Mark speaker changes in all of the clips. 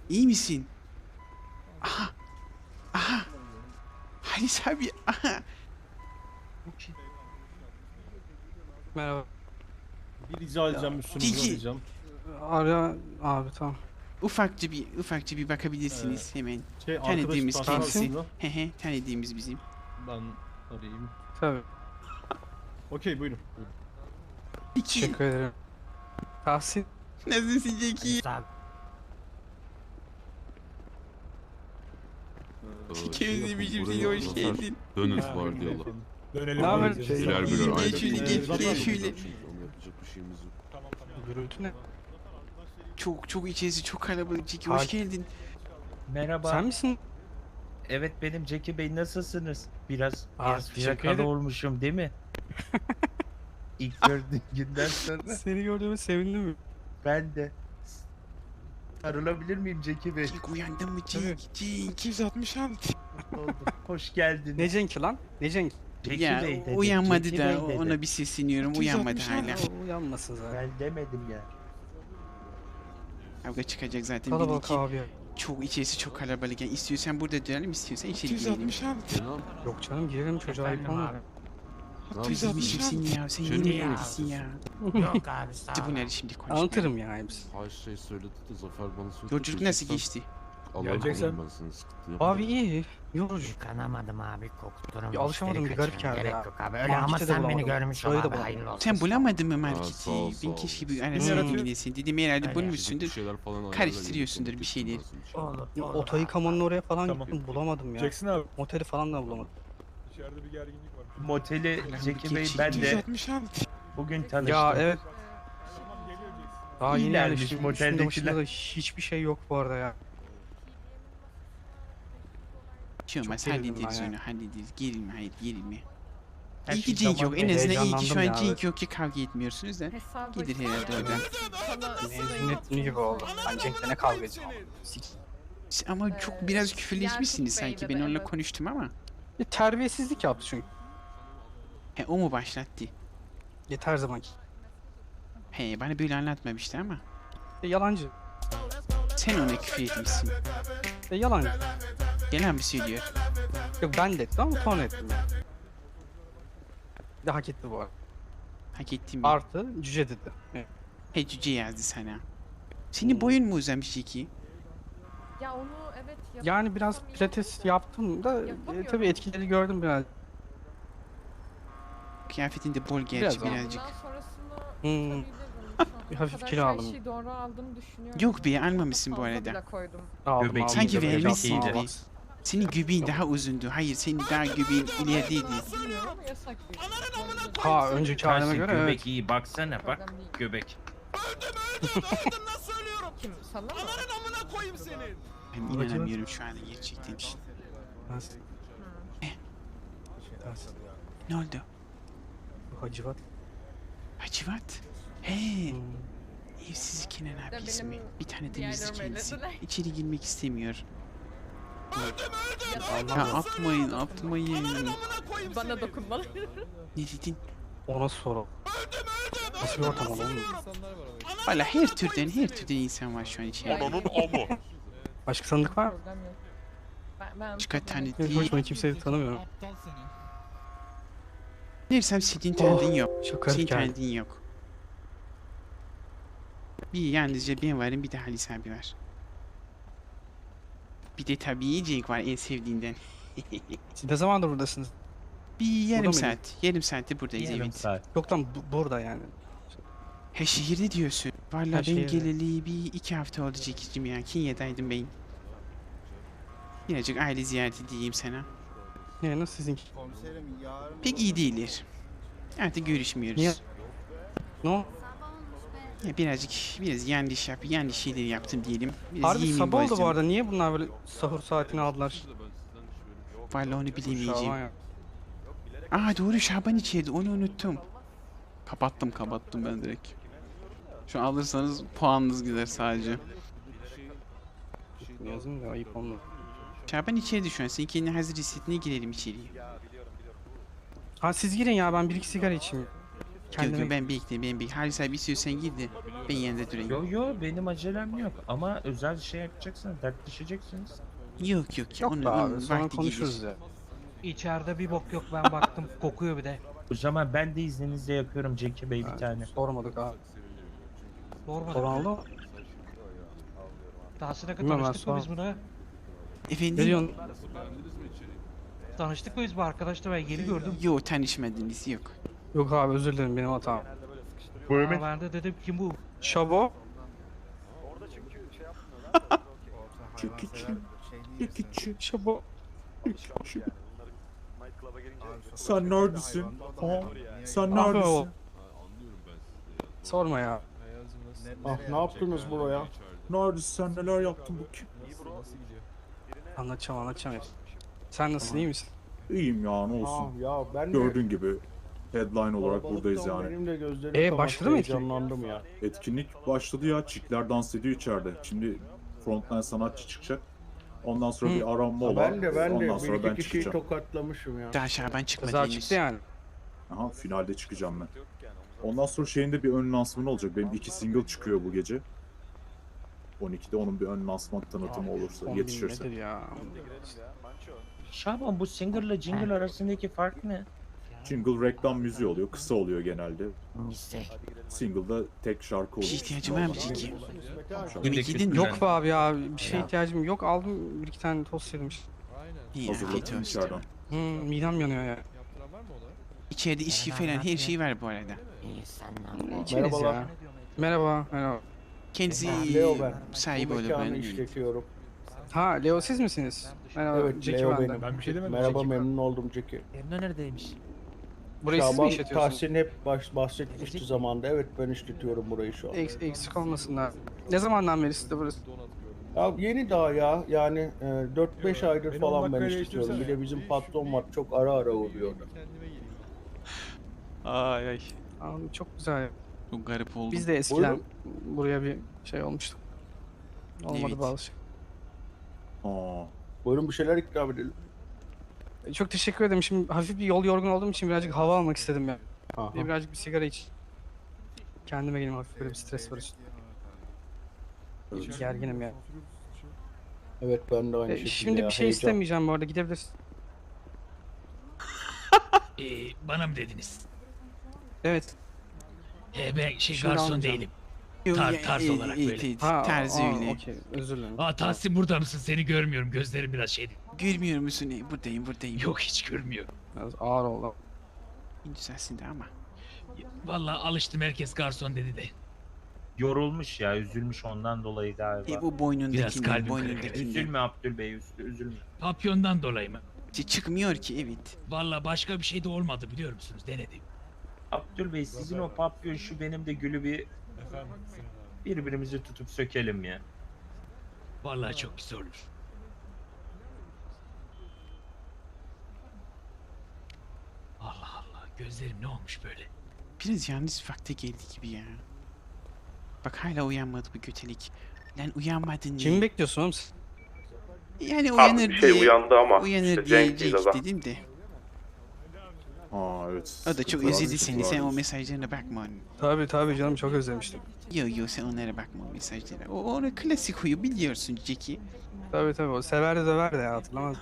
Speaker 1: İyi misin? Aha. Aha. Halis abi. Aha.
Speaker 2: Merhaba.
Speaker 3: Bir rica edeceğim, üstünüzü
Speaker 1: Ciki.
Speaker 3: arayacağım.
Speaker 2: Ara abi tamam.
Speaker 1: Ufakça bir bakabilirsiniz hemen.
Speaker 3: Arkadaş
Speaker 1: Tanıdığımız
Speaker 3: ben
Speaker 1: kendisi.
Speaker 3: aslında.
Speaker 1: Hehe, tanıdığımız bizim.
Speaker 3: Ben arayayım.
Speaker 2: Tabii.
Speaker 3: Okey, buyurun. Buyurun.
Speaker 1: Peki.
Speaker 2: Teşekkür ederim. Tahsin.
Speaker 1: Nasılsın Jackie? Jackie özlemişim seni, hoş geldin.
Speaker 4: Dönüş var diyorlar.
Speaker 5: Dönelim.
Speaker 2: Ne haber?
Speaker 5: abi.
Speaker 4: Birer birer
Speaker 1: Gel
Speaker 4: ayrı.
Speaker 1: şöyle, gel şöyle.
Speaker 4: Onu yapacak bir şeyimiz yok.
Speaker 2: Gürültü ne?
Speaker 1: Çok içerisi çok kalabalık Jackie, hoş
Speaker 2: Hakim.
Speaker 1: geldin.
Speaker 6: Merhaba.
Speaker 2: Sen misin?
Speaker 6: Evet benim Jackie Bey, nasılsınız? Biraz
Speaker 2: teşekkür
Speaker 6: fiyakalı
Speaker 2: ederim.
Speaker 6: olmuşum değil mi? İlk gördüğüm günden sonra
Speaker 2: Seni gördüğüme sevindim.
Speaker 6: ben de. Sarılabilir miyim Jackie Bey?
Speaker 1: Jack uyandın mı
Speaker 2: Tabii.
Speaker 1: Jack?
Speaker 5: 266.
Speaker 6: Oldu. Hoş geldin.
Speaker 2: Ne Cenk'i lan? Ne Cenk?
Speaker 6: Jackie
Speaker 1: Ya
Speaker 6: Bey dedim.
Speaker 1: uyanmadı
Speaker 6: Jackie
Speaker 1: da
Speaker 6: Bey dedim.
Speaker 1: ona bir sesleniyorum, uyanmadı hala.
Speaker 2: O uyanmasın zaten.
Speaker 6: Ben demedim ya.
Speaker 1: Kavga çıkacak zaten
Speaker 2: Kalabalık
Speaker 1: belli ki.
Speaker 2: abi ya.
Speaker 1: Çok içerisi çok kalabalık. Yani istiyorsan burada dönelim, istiyorsan içeri girelim.
Speaker 5: 266.
Speaker 4: Kenan,
Speaker 2: Yok canım girelim çocuğa ayıp olmuyor.
Speaker 4: ne
Speaker 1: Özlemişim seni ya. Sen
Speaker 4: Şöyle
Speaker 1: yine
Speaker 4: mi
Speaker 1: neredesin ya?
Speaker 7: Yok abi sağ
Speaker 1: Hadi
Speaker 7: ol.
Speaker 1: bunları şimdi konuşmayalım.
Speaker 2: Anlatırım ya hepsini.
Speaker 4: Her şey söyledi de Zafer bana söyledi.
Speaker 1: Yolculuk nasıl geçti?
Speaker 4: Allah'a
Speaker 5: Geleceksen-
Speaker 4: korusun ben seni sıkıntı yok.
Speaker 2: Abi iyi. Yorucu.
Speaker 7: Yıkanamadım abi kokturum.
Speaker 2: Ya alışamadım,
Speaker 7: müşteri
Speaker 2: bir garip
Speaker 7: kaçırmam.
Speaker 2: geldi
Speaker 7: Gerek
Speaker 2: ya.
Speaker 7: yok abi. Öyle
Speaker 2: Markete
Speaker 7: ama
Speaker 2: de
Speaker 7: sen beni
Speaker 2: bulamadım.
Speaker 7: görmüş ol
Speaker 2: Şurayı da
Speaker 7: abi,
Speaker 2: bulamadım.
Speaker 7: hayırlı olsun.
Speaker 1: Sen bulamadın mı
Speaker 4: sağ
Speaker 1: marketi?
Speaker 4: ol,
Speaker 1: Ben
Speaker 4: sağ
Speaker 1: keşke
Speaker 4: ol.
Speaker 1: bir
Speaker 5: Ne
Speaker 1: arasını
Speaker 5: yaratıyor?
Speaker 1: bilmesin. Dedim herhalde
Speaker 7: Öyle.
Speaker 1: bulmuşsundur.
Speaker 4: Bir şeyler falan ayarla,
Speaker 1: Karıştırıyorsundur
Speaker 4: gelip
Speaker 1: bir şeyleri.
Speaker 4: getirsin içeri.
Speaker 7: Olur,
Speaker 2: Ya,
Speaker 7: olur
Speaker 2: oto
Speaker 7: abi.
Speaker 2: yıkamanın oraya falan
Speaker 5: Tamam.
Speaker 2: gittim bulamadım ya.
Speaker 5: Jackson abi.
Speaker 2: Moteli falan da bulamadım.
Speaker 5: İçeride bir gerginlik var.
Speaker 6: Moteli
Speaker 1: Allah'ım,
Speaker 6: Jackie Bey
Speaker 1: geçin.
Speaker 6: ben de
Speaker 5: 266.
Speaker 6: bugün tanıştım.
Speaker 2: Ya evet.
Speaker 5: Tamam geliyor Jackson.
Speaker 2: Daha yeni
Speaker 6: İyilermiş
Speaker 2: yerleştim.
Speaker 6: moteldekiler.
Speaker 2: Üstünde başında da hiçbir şey yok bu arada ya.
Speaker 1: Şey olmaz,
Speaker 2: Çok gerildim
Speaker 1: hallederiz
Speaker 2: ben ya.
Speaker 1: onu, hallederiz. Gerilme, hayır gerilme.
Speaker 6: Her
Speaker 1: İyi ki
Speaker 6: şey
Speaker 1: Cenk
Speaker 6: zaman
Speaker 1: yok. En
Speaker 6: ve
Speaker 1: azından iyi ki
Speaker 2: heyecanlandım
Speaker 1: şu an
Speaker 2: ya.
Speaker 1: Cenk yok ki kavga etmiyorsunuz da.
Speaker 8: Hesabı
Speaker 1: Gelir herhalde oradan.
Speaker 2: Mezuniyet günü gibi oldu. Ben Cenk'le ne kavga edeceğim ama.
Speaker 1: Ama çok biraz küfürleşmişsiniz
Speaker 8: Yakup Bey'le
Speaker 1: sanki.
Speaker 8: de
Speaker 1: Ben onunla
Speaker 8: evet.
Speaker 1: konuştum ama.
Speaker 2: Terbiyesizlik yaptı çünkü.
Speaker 1: He, o mu başlattı?
Speaker 2: Yeter zamanki.
Speaker 1: He, bana böyle anlatmamıştı ama.
Speaker 2: Yalancı.
Speaker 1: Sen ona küfür etmişsin.
Speaker 2: Yalancı.
Speaker 1: Yalan mı söylüyor?
Speaker 2: Yok ben de ettim ama ton ettim yani. Bir de hak etti bu arada.
Speaker 1: Hak ettim mi?
Speaker 2: Artı cüce dedi. Evet.
Speaker 1: He, cüce yazdı sana. Senin boyun mu uzamış ki?
Speaker 8: Ya onu evet
Speaker 2: Yani biraz pilates yaptım da
Speaker 8: Yapamıyorum.
Speaker 2: tabii etkileri gördüm biraz.
Speaker 1: Kıyafetinde bol gerçi
Speaker 2: Biraz ama.
Speaker 1: birazcık.
Speaker 8: Bundan sonrasını
Speaker 2: Hmm.
Speaker 8: tutabilirim.
Speaker 2: Bir hafif
Speaker 8: O kadar
Speaker 2: kilo
Speaker 8: her
Speaker 2: aldım.
Speaker 8: şeyi doğru aldığımı düşünüyorum.
Speaker 1: Yok be, almamışsın bu
Speaker 8: Fazla
Speaker 1: arada.
Speaker 8: bile koydum.
Speaker 2: Aldım,
Speaker 6: Göbek
Speaker 2: aldım.
Speaker 1: Sanki
Speaker 6: iyiydi,
Speaker 1: vermişsin
Speaker 6: iyiydi.
Speaker 1: gibi. Senin göbeğin daha uzundu. Hayır, senin daha göbeğin ilerideydi.
Speaker 8: Bilmiyorum ama yasak değil.
Speaker 2: Ha önceki halime
Speaker 6: Tersi
Speaker 2: göre
Speaker 6: göbek
Speaker 2: evet.
Speaker 6: iyi, baksana bak
Speaker 8: Problem değil.
Speaker 6: göbek.
Speaker 8: Kim? Sana mı?
Speaker 1: Ben inanamıyorum şu anda gerçekten.
Speaker 2: Nasıl? Nasıl?
Speaker 1: Ne oldu?
Speaker 2: Bu Hacivat.
Speaker 1: Hacivat? He,
Speaker 2: Hmm.
Speaker 1: evsiz Kenan abi
Speaker 8: benim
Speaker 1: ismi. Bir tane de
Speaker 8: diğerlerim
Speaker 1: müzik kendisi.
Speaker 8: öylediler.
Speaker 1: İçeri girmek istemiyor. Ya
Speaker 2: Anlamadım.
Speaker 1: atmayın.
Speaker 8: Bana dokunmalı.
Speaker 1: Ne dedin?
Speaker 2: O nasıl soru? Nasıl bir ortam oğlum?
Speaker 1: Valla her türden insan var şu an içeride.
Speaker 2: Başka tanıdık var mı?
Speaker 8: Problem yok. Ben
Speaker 1: Çıkar tane
Speaker 2: Benim
Speaker 1: değil.
Speaker 2: hoşuma kimseyi tanımıyorum.
Speaker 1: Dersem senin tanıdığın yok.
Speaker 2: Çok
Speaker 1: Senin
Speaker 2: garip geldi.
Speaker 1: tanıdığın yok. Bir yalnızca ben varım, bir de Halis abi var. Bir de tabii Cenk var en sevdiğinden.
Speaker 2: Siz ne zamandır buradasınız?
Speaker 1: Bir yarım
Speaker 2: Burada
Speaker 1: saat. Yarım saatte buradayız,
Speaker 6: Yarım
Speaker 1: evet.
Speaker 6: saat.
Speaker 2: Yok lan burada yani.
Speaker 1: He, şehirde diyorsun. Vallahi
Speaker 2: Ha,
Speaker 1: ben
Speaker 2: şehirde.
Speaker 1: geleli bir 2 hafta oldu Cenk'cim ya. Kenya'daydım ben. Birazcık aile ziyareti diyeyim sana.
Speaker 2: Ne nasıl sizinki?
Speaker 1: Pek iyi değiller. Artık görüşmüyoruz.
Speaker 2: Niye? Ne o?
Speaker 1: Ya biraz yanlış şeyler yaptım diyelim. Biraz
Speaker 2: Harbi
Speaker 1: yemin
Speaker 2: sabah oldu
Speaker 1: bozdum.
Speaker 2: bu arada. Niye bunlar böyle sahur saatini aldılar?
Speaker 1: Vallahi onu bilemeyeceğim.
Speaker 2: Şaban ya.
Speaker 1: Aa doğru, Şaban içeride, onu unuttum. Kapattım ben direkt. Şu an alırsanız puanınız gider sadece.
Speaker 2: Yazın da ayıp olmuyor.
Speaker 1: Şaban içeride şu an. Sen kendini hazır hissettiğine girelim içeriye.
Speaker 2: Ha siz girin ya ben bir iki sigara içeyim.
Speaker 1: Yok ben bekleyeyim. Halis abi istiyorsan gir de ben yanında durayım.
Speaker 6: Yo benim acelem yok ama özel şey yapacaksınız, dertleşeceksiniz.
Speaker 1: Yok.
Speaker 2: Yok
Speaker 1: Onun
Speaker 2: be abi sonra
Speaker 1: vakti
Speaker 2: konuşuruz
Speaker 1: gelir.
Speaker 2: ya.
Speaker 7: İçeride bir bok yok ben baktım kokuyor bir de.
Speaker 6: O zaman ben de izninizle yapıyorum Jackie Bey bir tane.
Speaker 2: Sormadık abi.
Speaker 7: Sormadım.
Speaker 2: Soran oldu mu?
Speaker 7: Daha sonra
Speaker 2: Bilmem ben
Speaker 7: tanıştık mı biz
Speaker 2: sonra-
Speaker 7: buna?
Speaker 1: Efendim?
Speaker 2: Ne diyorsun?
Speaker 7: Tanıştık mı biz bu arkadaşla ben yeni gördüm.
Speaker 1: Yok tanışmadınız yok.
Speaker 2: Yok abi özür dilerim benim hatam.
Speaker 7: Aa, ben de dedim kim bu?
Speaker 2: Şabo. Şabo.
Speaker 9: Sen neredesin? Ha? Sen
Speaker 2: Abi
Speaker 9: neredesin?
Speaker 2: o. Sorma ya.
Speaker 3: Ah ne yaptınız buraya?
Speaker 9: Neredesin sen? Neler yaptın bu kim?
Speaker 2: Anlatacağım hepsini. Sen nasılsın iyi misin?
Speaker 9: İyiyim ya ne
Speaker 3: Ah
Speaker 9: olsun.
Speaker 3: ya ben de
Speaker 9: Gördüğün gibi headline olarak buradayız
Speaker 3: kalabalıktan
Speaker 9: yani.
Speaker 3: benim de gözlerim kamaştı,
Speaker 2: başladı mı etkinlik?
Speaker 3: heyecanlandım ya.
Speaker 9: Etkinlik başladı ya. Çikler dans ediyor içeride. Şimdi frontline sanatçı çıkacak. Ondan sonra bir aranma
Speaker 3: Ha,
Speaker 9: olan.
Speaker 3: ben de
Speaker 9: Ondan
Speaker 3: bir
Speaker 9: sonra ben
Speaker 3: iki kişiyi
Speaker 9: çıkacağım.
Speaker 3: tokatlamışım ya.
Speaker 1: Daha Şaban çıkmadı
Speaker 2: Kızlar
Speaker 1: henüz.
Speaker 2: çıktı yani.
Speaker 9: Aha finalde çıkacağım ben. Ondan sonra şeyin de bir ön lansmanı olacak. Benim 2 single çıkıyor bu gece. 12'de onun bir ön lansman tanıtımı olursa
Speaker 2: 10.000
Speaker 9: yetişirse.
Speaker 2: nedir ya?
Speaker 6: Şaban bu singer'la jingle arasındaki fark ne?
Speaker 9: Jingle reklam müziği oluyor. Kısa oluyor genelde.
Speaker 7: İstek.
Speaker 9: Single'da tek şarkı
Speaker 1: Bir
Speaker 9: olur.
Speaker 1: şey ihtiyacım var mı Ciki?
Speaker 6: Bir
Speaker 1: Yemek
Speaker 6: de
Speaker 1: yedin mi?
Speaker 2: Yok be abi ya bir şeye ihtiyacım yok. Aldım bir iki tane tost yedim işte.
Speaker 1: İyi afiyet
Speaker 9: Hazırladım
Speaker 1: olsun.
Speaker 9: içeriden.
Speaker 2: Midem yanıyor ya.
Speaker 1: İçeride içki falan her şey var bu arada.
Speaker 7: İyi sen ne yapıyorsun?
Speaker 2: İçeriz
Speaker 3: Merhabalar.
Speaker 2: ya. Merhaba.
Speaker 1: Kendisi
Speaker 3: Leo ben.
Speaker 1: sahibi
Speaker 3: Bu
Speaker 1: oluyor
Speaker 3: mekanı
Speaker 1: ben.
Speaker 3: işletiyorum.
Speaker 2: Ha Leo siz misiniz? Merhaba.
Speaker 3: Evet
Speaker 2: Jackie
Speaker 3: Leo
Speaker 2: ben de.
Speaker 3: benim.
Speaker 5: Ben bir şey demedim.
Speaker 3: Merhaba memnun oldum Jackie.
Speaker 7: Emre neredeymiş?
Speaker 2: Burayı siz mi
Speaker 3: Şaban
Speaker 2: işletiyorsunuz?
Speaker 3: Tahsin hep bahsetmişti zamanda. Evet ben işletiyorum burayı şu an.
Speaker 2: Eksik olmasınlar. Ne zamandan beri sizde burası?
Speaker 3: Ya yeni daha ya yani 4-5 aydır
Speaker 5: Beni
Speaker 3: falan
Speaker 5: 10
Speaker 3: ben
Speaker 5: dakikaya
Speaker 3: işletiyorum. Bir de
Speaker 5: yetiştirsene.
Speaker 3: bizim patron var çok ara uğruyor.
Speaker 1: Ay.
Speaker 2: Abi, çok güzel. ya.
Speaker 1: Çok garip oldu.
Speaker 2: Biz de eskiden buraya bir şey olmuştuk. Olmadı
Speaker 1: Evet.
Speaker 2: bazı şey.
Speaker 9: Aa,
Speaker 3: Buyurun bir şeyler ikram edelim.
Speaker 2: Çok teşekkür ederim. Şimdi hafif bir yol yorgun olduğum için birazcık hava almak istedim ya.
Speaker 3: Aha.
Speaker 2: Bir de birazcık bir sigara iç. Kendime geleyim hafif böyle bir stres var üstümde.
Speaker 9: evet.
Speaker 2: Gerginim ya.
Speaker 3: Evet ben de aynı şekilde
Speaker 2: Şimdi
Speaker 3: ya,
Speaker 2: bir şey
Speaker 3: heyecan.
Speaker 2: istemeyeceğim bu arada gidebilirsin.
Speaker 10: Bana mı dediniz?
Speaker 2: Evet.
Speaker 10: Ben
Speaker 2: Şimdi
Speaker 10: garson
Speaker 2: almayacağım.
Speaker 10: değilim.
Speaker 1: Yok,
Speaker 10: tarz olarak böyle.
Speaker 1: Tarzı öyle.
Speaker 2: Okey özür dilerim.
Speaker 10: Tahsin burada mısın? Seni görmüyorum. Gözlerim biraz şeydi.
Speaker 1: Görmüyor musun? Buradayım.
Speaker 10: Yok hiç görmüyor.
Speaker 2: Biraz ağır oldu.
Speaker 1: Güzelsin de ama.
Speaker 10: Vallahi alıştım herkes garson dedi de.
Speaker 6: Yorulmuş ya, üzülmüş ondan dolayı galiba.
Speaker 1: Bu boynundakinden,
Speaker 10: kalbim
Speaker 1: boynundakinden.
Speaker 6: Üzülme Abdül Bey, üzülme.
Speaker 10: Papyondan dolayı mı?
Speaker 1: Çıkmıyor ki evet.
Speaker 10: Vallahi başka bir şey de olmadı biliyor musunuz? Denedim.
Speaker 6: Abdül Bey sizin o papyon şu benim de gülü bir
Speaker 5: Efendim Sinan abi.
Speaker 6: birbirimizi tutup sökelim ya.
Speaker 10: Vallahi çok güzel olur. Allah Allah. Gözlerim ne olmuş böyle?
Speaker 1: Biraz yalnız vakte geldi gibi ya. Bak hala uyanmadı bu götelik. Lan uyanmadın niye?
Speaker 2: Kimi bekliyorsun oğlum sen?
Speaker 1: Yani uyanır
Speaker 11: bir
Speaker 1: diye.
Speaker 11: şey uyandı ama
Speaker 1: Uyanır
Speaker 11: işte Cenk
Speaker 1: diyecek
Speaker 11: değil adam.
Speaker 1: dedim de.
Speaker 9: Aa evet.
Speaker 1: O da çok
Speaker 9: Sıkıntılar,
Speaker 1: özledi seni. Sen o
Speaker 9: sıkıntılar.
Speaker 1: mesajlarına bakma onun.
Speaker 2: Tabii canım çok özlemiştim.
Speaker 1: Yo sen onlara bakma o mesajlara. O onun klasik huyu biliyorsun Jackie.
Speaker 2: Tabii o sever de döver de ya hatırlamaz.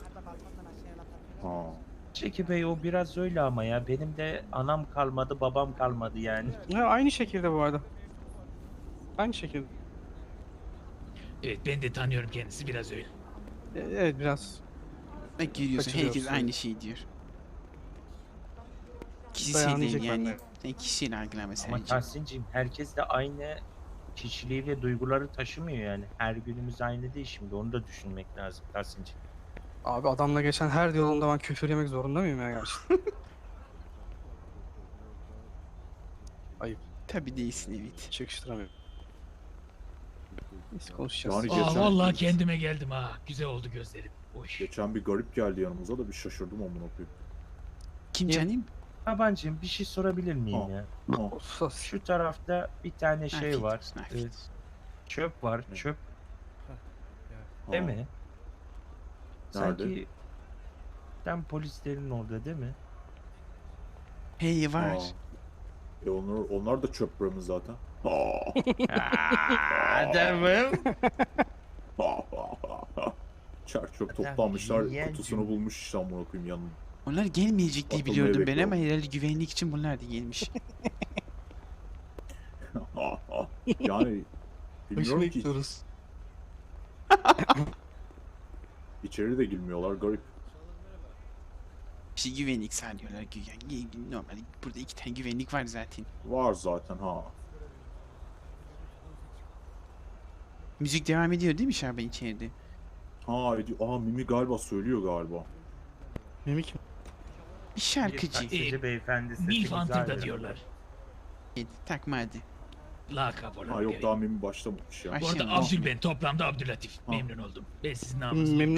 Speaker 9: Aa.
Speaker 6: Çeki Bey o biraz öyle ama ya benim de anam kalmadı babam kalmadı yani.
Speaker 2: Ya aynı şekilde bu arada. Aynı şekilde.
Speaker 10: Evet ben de tanıyorum kendisi biraz öyle.
Speaker 2: Evet biraz.
Speaker 1: Bak görüyorsun herkes
Speaker 2: Kaçırıyorsun.
Speaker 1: aynı şeyi diyor. Kişisel
Speaker 2: Dayanacak
Speaker 1: değil yani.
Speaker 2: bende.
Speaker 1: Sen kişiyle algılama
Speaker 6: Ama
Speaker 1: sadece.
Speaker 6: Tahsin'cim herkes de aynı kişiliği ve duyguları taşımıyor yani. Her günümüz aynı değil şimdi onu da düşünmek lazım Tahsin'cim.
Speaker 2: Abi adamla geçen her yolunda ben küfür yemek zorunda mıyım ya gerçekten? Ayıp.
Speaker 1: Tabii değilsin evet.
Speaker 2: Hiç yakıştıramıyorum. Neyse konuşacağız.
Speaker 9: Yani
Speaker 10: Aa
Speaker 9: geçen-
Speaker 10: vallahi kendime geldim ha. Güzel oldu gözlerim. Oy.
Speaker 9: Geçen bir garip geldi yanımıza da bir şaşırdım amına koyayım.
Speaker 1: Kim
Speaker 2: Niye?
Speaker 1: canım?
Speaker 6: Tabancım bir şey sorabilir miyim
Speaker 9: Aa.
Speaker 6: ya?
Speaker 9: Aa,
Speaker 2: Sus.
Speaker 6: Şu tarafta bir tane şey
Speaker 1: Afiyet
Speaker 6: var.
Speaker 1: olsun, afiyet olsun.
Speaker 6: Çöp var.
Speaker 9: Ne?
Speaker 6: Çöp
Speaker 9: aa.
Speaker 6: değil mi?
Speaker 9: Nerede?
Speaker 6: Sanki tam polislerin orada değil mi?
Speaker 1: Hey var.
Speaker 9: Aa. Onlar da çöp bramı zaten.
Speaker 6: Adamım.
Speaker 9: Çer çöp
Speaker 6: Adam
Speaker 9: toplamışlar,
Speaker 6: yiyen
Speaker 9: kutusunu
Speaker 6: cüm-
Speaker 9: bulmuş işte amına koyayım yanına.
Speaker 1: Onlar gelmeyecek diye
Speaker 9: Atılmayı
Speaker 1: biliyordum ben ama
Speaker 9: bekliyorum.
Speaker 1: herhalde güvenlik için bunlar da gelmiş.
Speaker 9: Yani
Speaker 2: Başına
Speaker 9: bilmiyorum ki
Speaker 2: gidiyoruz.
Speaker 9: içeri de girmiyorlar garip.
Speaker 1: İşte güvenlik sağlıyorlar güya. Normal burada 2 tane güvenlik var zaten.
Speaker 9: Var zaten ha.
Speaker 1: Müzik devam ediyor değil mi Şaban içeride?
Speaker 9: Mimi galiba söylüyor galiba.
Speaker 2: Mimik
Speaker 1: Bir şarkıcı.
Speaker 6: Taksici beyefendi sesi
Speaker 10: Milf
Speaker 6: güzel
Speaker 10: Hunter da
Speaker 6: ya.
Speaker 10: diyorlar.
Speaker 1: Evet, takma hadi.
Speaker 10: Lakap olarak.
Speaker 9: Ha yok
Speaker 10: evet.
Speaker 9: daha Mimi başlamamış ya.
Speaker 1: Baş-
Speaker 10: Bu arada
Speaker 1: Başlayalım.
Speaker 10: Abdül ben toplamda Abdülatif. Memnun oldum. Ben sizin namınızı
Speaker 2: memnun